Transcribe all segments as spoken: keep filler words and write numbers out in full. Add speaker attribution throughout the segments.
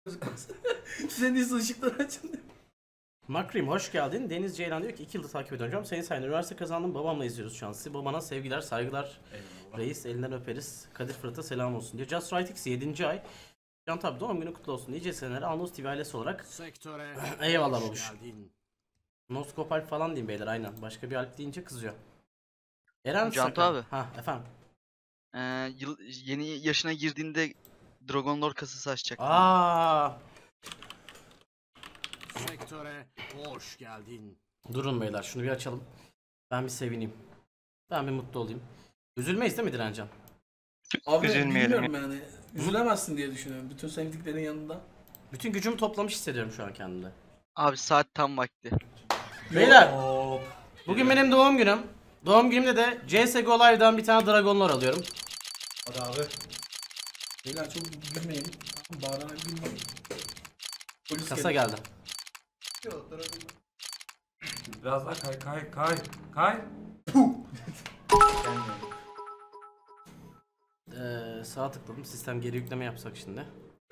Speaker 1: Senin iyisi ışıkları açın.
Speaker 2: Makrim hoş geldin. Deniz Ceylan diyor ki iki yıldır takip ediyorum hocam. Senin sayende üniversite kazandım. Babamla izliyoruz şu an sizi. Babana sevgiler, saygılar.
Speaker 1: Eyvallah.
Speaker 2: Reis elinden öperiz. Kadir Fırat'a selam olsun diyor. Just Right X yedinci ay. Can tabi doğum günü kutlu olsun. Nice senelere Anons T V ailesi olarak.
Speaker 3: Sektöre
Speaker 2: Eyvallah
Speaker 3: hoş
Speaker 2: babuş.
Speaker 3: geldin.
Speaker 2: Noskop Alp falan diyeyim beyler aynen. Başka bir Alp deyince kızıyor. Eren
Speaker 4: Cantu
Speaker 2: Sakan.
Speaker 4: abi.
Speaker 2: Ha efendim.
Speaker 4: Ee, yıl, yeni yaşına girdiğinde Dragon Lore kasası açacak.
Speaker 2: Aa,
Speaker 3: Sektöre hoş geldin.
Speaker 2: durun beyler şunu bir açalım. Ben bir sevineyim. Ben bir mutlu olayım. Üzülmeyiz değil mi Direncan?
Speaker 1: Abi
Speaker 5: Üzülmeyelim
Speaker 1: bilmiyorum yani. Üzülemezsin diye düşünüyorum. Bütün sevdiklerin yanında.
Speaker 2: Bütün gücümü toplamış hissediyorum şu an kendimde.
Speaker 4: Abi saat tam vakti.
Speaker 2: Beyler.
Speaker 1: Hop.
Speaker 2: Bugün benim doğum günüm. Doğum günümde de C S G O Live'dan bir tane Dragon Lore alıyorum.
Speaker 1: Hadi abi. Beyler çok gülmeyin. Bağırarak gülmeyin. Polis
Speaker 2: Kasa
Speaker 1: gelir.
Speaker 2: geldi.
Speaker 1: Yok, Dragon Ball.
Speaker 5: Biraz daha kay kay kay kay.
Speaker 2: Ee, sağa tıkladım. Sistem geri yükleme yapsak şimdi.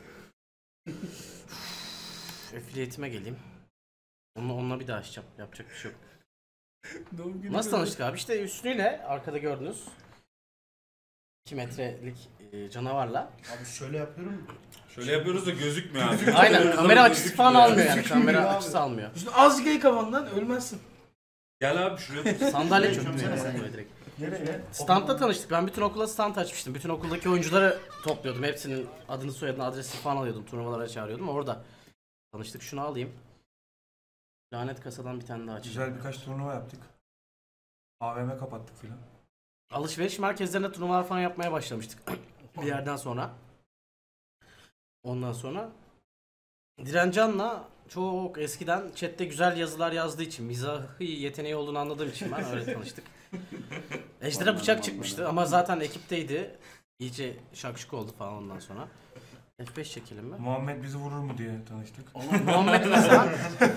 Speaker 2: Affiliate'ime geleyim. Onunla, onunla bir daha açacağım. Yapacak bir şey yok.
Speaker 1: Doğum günü
Speaker 2: Nasıl
Speaker 1: böyle.
Speaker 2: tanıştık abi? İşte üstüyle arkada gördünüz. iki metrelik e, canavarla.
Speaker 6: Abi şöyle yapıyorum.
Speaker 5: Şöyle yapıyoruz da gözükmüyor abi.
Speaker 2: Aynen kamera açısı falan almıyor yani.
Speaker 6: Gözükmüyor
Speaker 2: Kamera
Speaker 6: abi.
Speaker 2: açısı almıyor.
Speaker 1: Şimdi azıcık el kafandan ölmezsin.
Speaker 5: Gel abi şuraya.
Speaker 2: Sandalye
Speaker 6: Şöyle
Speaker 2: çöktü
Speaker 6: şöyle.
Speaker 2: yani böyle direkt.
Speaker 6: Nereye?
Speaker 2: Standta tanıştık. Ben bütün okula stand açmıştım. Bütün okuldaki oyuncuları topluyordum. Hepsinin adını, soyadını, adresini falan alıyordum. Turnuvalara çağırıyordum. Orada tanıştık. Şunu alayım. Lanet kasadan bir tane daha açacağım.
Speaker 5: Güzel birkaç turnuva yaptık. A V M kapattık filan.
Speaker 2: Alışveriş merkezlerinde turnuvalar falan yapmaya başlamıştık. Bir yerden sonra. Ondan sonra Direncan'la çok eskiden chatte güzel yazılar yazdığı için, mizahı yeteneği olduğunu anladığım için ben öyle tanıştık. Ejder'e bıçak çıkmıştı ama zaten ekipteydi. İyice şakşuk oldu falan ondan sonra. F beş çekelim mi?
Speaker 5: Muhammed bizi vurur mu diye tanıştık.
Speaker 2: Muhammed mesela.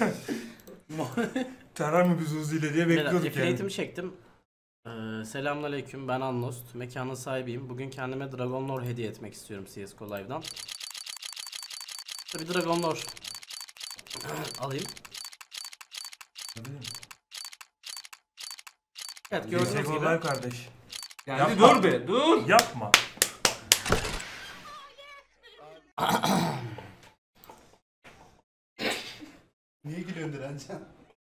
Speaker 5: Tarar mı bizi Uzi ile diye bekliyorduk yani.
Speaker 2: Affiliate'imi çektim. Ee, Selamünaleyküm, ben Annost. Mekanın sahibiyim. Bugün kendime Dragon Lore hediye etmek istiyorum C S G O Live'dan. Bir Dragon Lore alayım. Evet, gördüğünüz
Speaker 5: Gördüğünüz
Speaker 2: gibi.
Speaker 5: kardeş.
Speaker 7: Yani
Speaker 5: Yapma.
Speaker 7: dur be dur.
Speaker 5: Yapma.
Speaker 6: Niye gülüyorsun Direncan?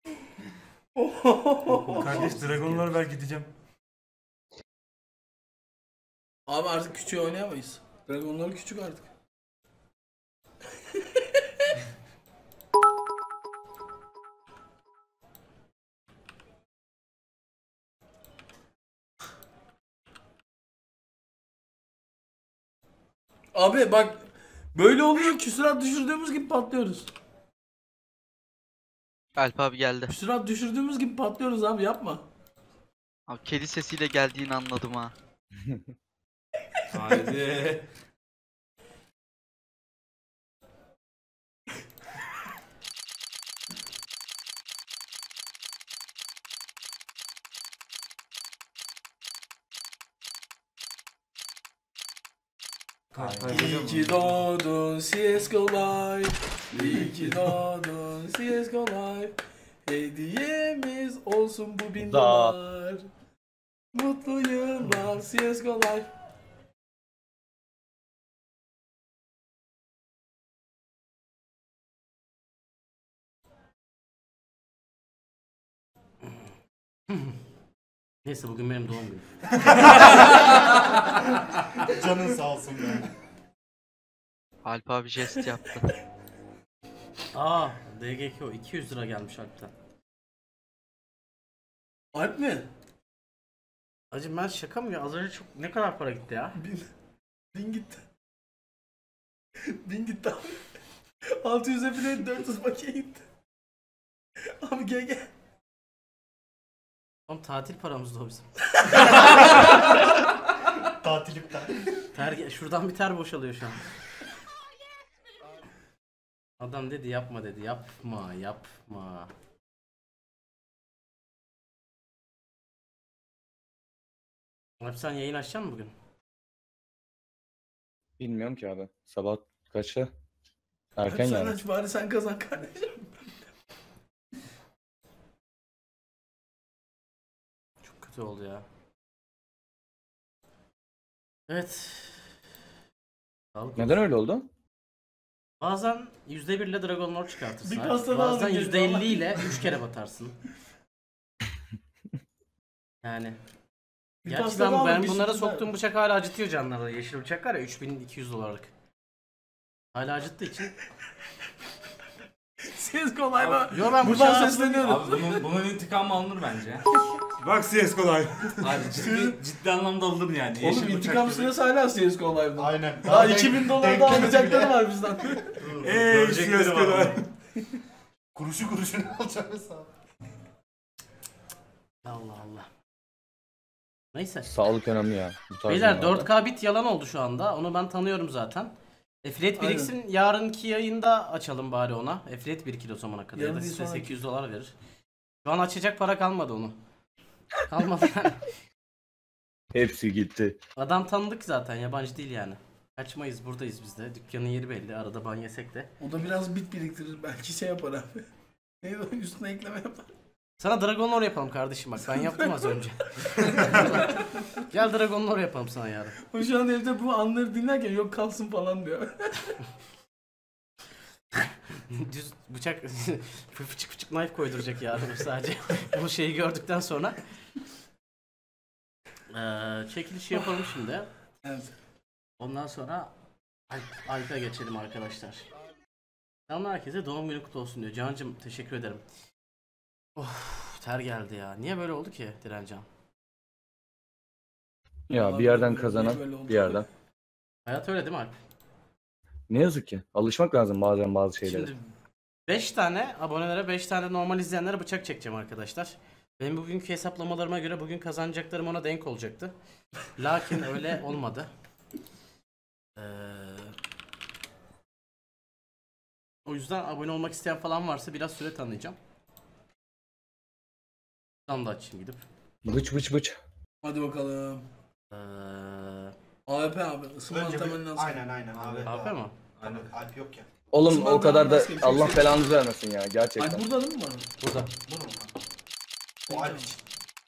Speaker 5: Kardeş Dragonlar ver gideceğim.
Speaker 1: Abi artık küçüğü oynayamayız. Dragonlar küçük artık. Abi bak böyle oluyor, küsurat düşürdüğümüz gibi patlıyoruz.
Speaker 4: Alp abi geldi.
Speaker 1: Küsurat düşürdüğümüz gibi patlıyoruz abi, yapma.
Speaker 4: Abi kedi sesiyle geldiğini anladım ha.
Speaker 7: Haydi.
Speaker 1: İyi ki doğdun C S G O Live. İyi ki doğdun C S G O Live. Hediyemiz olsun bu bin dolar. Mutlu yıllar C S G O Live.
Speaker 2: Neyse bugün benim doğum günüm.
Speaker 6: Canın sağ olsun be.
Speaker 4: Alp abi jest yaptı.
Speaker 2: Aa, D G K o iki yüz lira gelmiş Alp'ten.
Speaker 1: Alp mi?
Speaker 2: Acım ben şaka mı ya? Az önce çok ne kadar para gitti ya?
Speaker 1: Bin, bin gitti. Bin gitti abi. altı yüze bile dört yüz bakiye gitti. Abi gel gel.
Speaker 2: Oğlum tatil paramızdı o bizim.
Speaker 6: Tatil iptal.
Speaker 2: Ter, şuradan bir ter boşalıyor şu an. Adam dedi yapma dedi. Yapma yapma. Abi sen yayın açacaksın mı bugün?
Speaker 8: Bilmiyorum ki abi. Sabah kaçta?
Speaker 7: Erken
Speaker 1: Hadi sen
Speaker 7: yani.
Speaker 1: aç bari sen kazan kardeşim.
Speaker 2: Çok kötü oldu ya. Evet. Sağlık
Speaker 7: Neden öyle oldu?
Speaker 2: Bazen yüzde bir ile Dragon Lord çıkartırsın.
Speaker 1: Bir
Speaker 2: abi.
Speaker 1: pasta daha
Speaker 2: Bazen
Speaker 1: aldım
Speaker 2: yüzde
Speaker 1: geldi,
Speaker 2: elli ile üç kere batarsın. Yani.
Speaker 1: Bir
Speaker 2: Gerçi
Speaker 1: pasta
Speaker 2: ben,
Speaker 1: daha
Speaker 2: ben
Speaker 1: aldım, bir
Speaker 2: bunlara
Speaker 1: sürpriz
Speaker 2: soktuğum bıçak hala acıtıyor canları. Yeşil bıçak var ya üç bin iki yüz dolarlık. Hala acıttığı için.
Speaker 1: Siz kolay mı?
Speaker 2: Yo ben
Speaker 1: Buradan
Speaker 2: bıçağı
Speaker 1: sesleniyorum.
Speaker 5: Abi bunun, bunun intikamı alınır bence.
Speaker 6: Bak C S kolay.
Speaker 5: Abi ciddi, ciddi anlamda alınır yani.
Speaker 1: Oğlum
Speaker 5: Yeşil bıçak
Speaker 1: intikam
Speaker 5: gibi.
Speaker 1: süresi hala C S G O Live'da.
Speaker 6: Aynen.
Speaker 1: Daha
Speaker 6: denk-
Speaker 1: iki bin dolar
Speaker 6: denk
Speaker 1: daha
Speaker 6: gelmedi
Speaker 1: alacakları
Speaker 6: bile.
Speaker 1: var bizden.
Speaker 6: Eee
Speaker 5: Görecekleri
Speaker 6: C S
Speaker 5: var
Speaker 6: kolay.
Speaker 5: ama.
Speaker 6: Kuruşu kuruşunu alacağım hesabı.
Speaker 2: Allah Allah. Neyse.
Speaker 7: Sağlık önemli ya. Bu tarz
Speaker 2: Beyler
Speaker 7: durumlarda.
Speaker 2: dört K bit yalan oldu şu anda. Onu ben tanıyorum zaten. Affiliate
Speaker 1: Aynen.
Speaker 2: biriksin yarınki yayında açalım bari ona. Affiliate birikir o zamana kadar. Ya
Speaker 1: Yarın
Speaker 2: da
Speaker 1: değil,
Speaker 2: size
Speaker 1: sonraki.
Speaker 2: sekiz yüz dolar verir. Şu an açacak para kalmadı onu. Kalmadı yani.
Speaker 7: Hepsi gitti.
Speaker 2: Adam tanıdık zaten yabancı değil yani. Kaçmayız buradayız biz de. Dükkanın yeri belli. Arada ban yesek de.
Speaker 1: O da biraz bit biriktirir. Belki şey yapar abi. Neydi o üstüne ekleme yapar.
Speaker 2: Sana Dragon Lore yapalım kardeşim bak. Ben yaptım az önce. Gel Dragon Lore yapalım sana yarın.
Speaker 1: O şu an evde bu anları dinlerken yok kalsın falan diyor.
Speaker 2: Düz bıçak fıçık fıçık knife koyduracak yarın sadece. Bu şeyi gördükten sonra. Ee, çekilişi yapalım şimdi.
Speaker 1: Evet.
Speaker 2: Ondan sonra Alp- Alp'e geçelim arkadaşlar. Selamlar herkese doğum günü kutlu olsun diyor. Cancım teşekkür ederim. Of ter geldi ya. Niye böyle oldu ki Direncan?
Speaker 7: Ya bir yerden
Speaker 1: Böyle
Speaker 7: kazanan
Speaker 1: oldu.
Speaker 7: bir yerden.
Speaker 2: Hayat öyle değil mi Alp?
Speaker 7: Ne yazık ki. Alışmak lazım bazen bazı şeylere.
Speaker 2: Şimdi beş tane abonelere beş tane normal izleyenlere bıçak çekeceğim arkadaşlar. Benim bugünkü hesaplamalarıma göre bugün kazanacaklarım ona denk olacaktı. Lakin öyle olmadı. Ee, o yüzden abone olmak isteyen falan varsa biraz süre tanıyacağım. Tam da açayım gidip.
Speaker 7: Bıç bıç bıç.
Speaker 1: Hadi bakalım.
Speaker 2: Ee,
Speaker 1: A W P abi ısınma
Speaker 6: Önce
Speaker 1: antrenmanı
Speaker 6: bir...
Speaker 1: lazım.
Speaker 6: Aynen aynen abi.
Speaker 2: A P mi?
Speaker 6: Aynen. Alp yok ya.
Speaker 7: Oğlum
Speaker 1: Osman
Speaker 7: o kadar da
Speaker 1: Dağı'nın başka bir şey
Speaker 7: Allah
Speaker 1: yok.
Speaker 7: belanızı vermesin ya gerçekten.
Speaker 1: Ay burada değil mi var?
Speaker 2: Burada.
Speaker 6: Bu mu? O Alp için.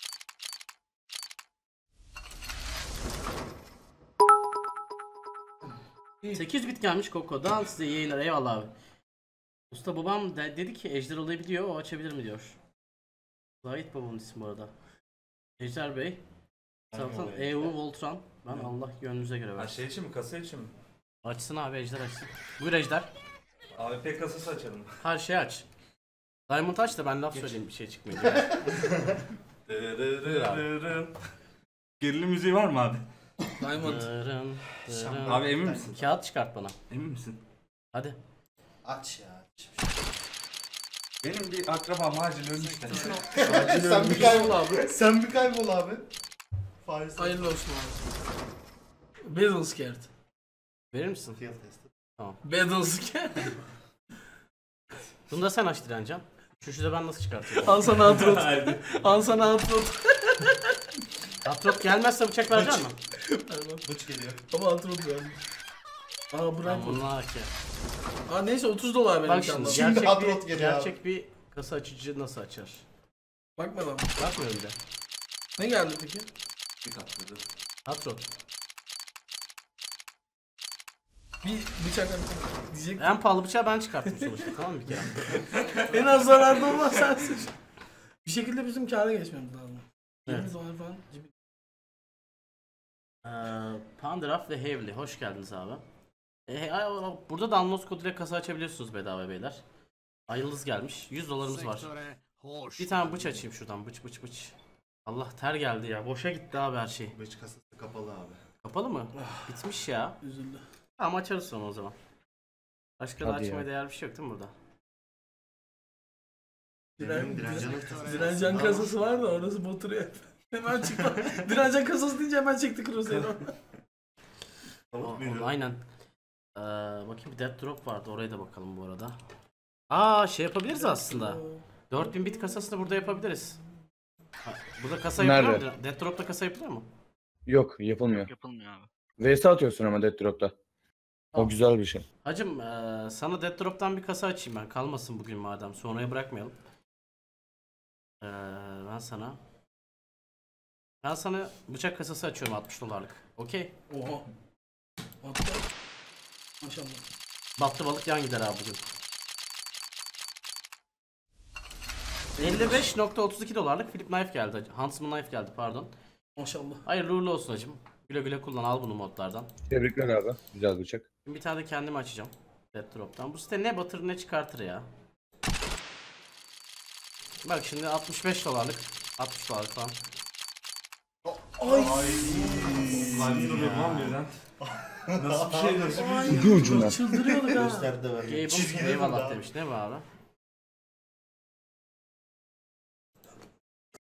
Speaker 2: sekiz bit gelmiş Koko'dan size yayınlar eyvallah abi. Usta babam de- dedi ki Ejder olayı biliyor o açabilir mi diyor. Zahit babamın ismi bu arada. Ejder Bey. Zaten
Speaker 5: olayı
Speaker 2: E U Voltron. Ben Allah gönlünüze göre
Speaker 5: Ha
Speaker 2: versin.
Speaker 5: şey için mi? Kasa için mi?
Speaker 2: Açsın abi Ejder açsın. Buyur Ejder.
Speaker 5: A W P kasası açalım.
Speaker 2: Her şeyi aç. Diamond aç da ben laf söyleyeyim bir şey çıkmayacak.
Speaker 5: Dırırırırırın. Gerilim müziği var mı abi?
Speaker 1: Diamond.
Speaker 2: Dırın, dırın.
Speaker 5: Abi emin misin?
Speaker 2: Kağıt çıkart bana.
Speaker 5: Emin misin?
Speaker 2: Hadi.
Speaker 6: Aç ya.
Speaker 5: Benim bir akrabam acil ölmüş de.
Speaker 6: Sen bir kaybol abi. Sen bir kaybol abi. Faiz.
Speaker 1: Hayırlı olsun abi. Battle Scared.
Speaker 2: Verir misin?
Speaker 6: Field testi.
Speaker 1: Battle Scared.
Speaker 2: Bunu da sen aç Direncan. Şu de ben nasıl çıkartıyorum?
Speaker 1: Al sana atrot. Al sana atrot.
Speaker 2: Atrop gelmezse bıçak verecek misin?
Speaker 6: Bıç geliyor.
Speaker 1: Ama atrot verdim. Aa bırak.
Speaker 2: Ben bununla ki.
Speaker 1: Aa neyse otuz dolar benim
Speaker 2: Bak
Speaker 1: çantam.
Speaker 2: şimdi
Speaker 6: Şimdi
Speaker 2: gerçek
Speaker 6: Atrot
Speaker 2: bir,
Speaker 6: geliyor
Speaker 2: gerçek bir kasa açıcı nasıl açar?
Speaker 1: Bakma lan.
Speaker 2: Bakmıyor bir de.
Speaker 1: Ne geldi peki?
Speaker 5: Bir katladı.
Speaker 2: Atrot.
Speaker 1: Bir bıçak diyecek.
Speaker 2: En pahalı bıçağı ben çıkarttım sonuçta tamam mı bir kere?
Speaker 1: En az zararda olmaz sensin. Bir şekilde bizim kâra geçmemiz lazım.
Speaker 2: Evet.
Speaker 1: yirmi dolar falan. cibi-
Speaker 2: Ee, Pandraf ve Heavily hoş geldiniz abi. Ee, ay- burada da Unlost koduyla kasa açabiliyorsunuz bedava beyler. Ay yıldız gelmiş. yüz dolarımız var.
Speaker 3: Sektöre hoş
Speaker 2: Bir tane bıç
Speaker 3: geldin.
Speaker 2: açayım şuradan. Bıç bıç bıç. Allah ter geldi ya. Boşa gitti abi her şey.
Speaker 6: Bıç kasası kapalı abi.
Speaker 2: Kapalı mı? Bitmiş ya.
Speaker 1: Üzüldü.
Speaker 2: Tamam açarız sonra o zaman. Başka da
Speaker 7: Hadi
Speaker 2: açmaya
Speaker 7: ya.
Speaker 2: değer bir şey yok değil mi burada?
Speaker 1: Diren,
Speaker 6: Direncan'ın
Speaker 1: diren, direncan kasası var da orası boturuyor. Hemen çıktı. Direncan kasası deyince hemen çekti Crusader'ı.
Speaker 2: O, o- aynen. Ee, bakayım bir Death Drop vardı. Oraya da bakalım bu arada. Aa şey yapabiliriz aslında. dört bin bit kasasını burada yapabiliriz. Ha, burada kasa yapılıyor
Speaker 7: Nerede?
Speaker 2: mu? Death Drop'ta kasa yapılıyor mu?
Speaker 7: Yok yapılmıyor.
Speaker 4: Yapılmıyor abi.
Speaker 7: V S atıyorsun ama Death Drop'ta. O güzel bir şey.
Speaker 2: Hacım eee, sana Death Drop'tan bir kasa açayım ben. Kalmasın bugün madem. Sonraya bırakmayalım. Eee, ben sana ben sana bıçak kasası açıyorum altmış dolarlık. Okey.
Speaker 1: Oha. Hatta. Maşallah.
Speaker 2: Battı balık yan gider abi bugün. elli beş nokta otuz iki dolarlık Philip Knife geldi hacı. Huntsman Knife geldi pardon.
Speaker 1: Maşallah.
Speaker 2: Hayırlı uğurlu olsun hacım. Güle güle kullan, al bunu modlardan.
Speaker 7: Tebrikler abi. Güzel bıçak.
Speaker 2: Şimdi bir tane de kendimi açacağım. Death Drop'tan. Bu site ne batırır ne çıkartır ya. Bak şimdi altmış beş dolarlık. altmış dolarlık falan.
Speaker 1: Ay.
Speaker 5: Kalbim duruyor lan birden. Nasıl bir şey nasıl bir şey?
Speaker 7: Ucu ucuna.
Speaker 2: Çıldırıyorduk ha.
Speaker 6: Gösterdi de verdi.
Speaker 2: Gable eyvallah demiş. Ne bu abi?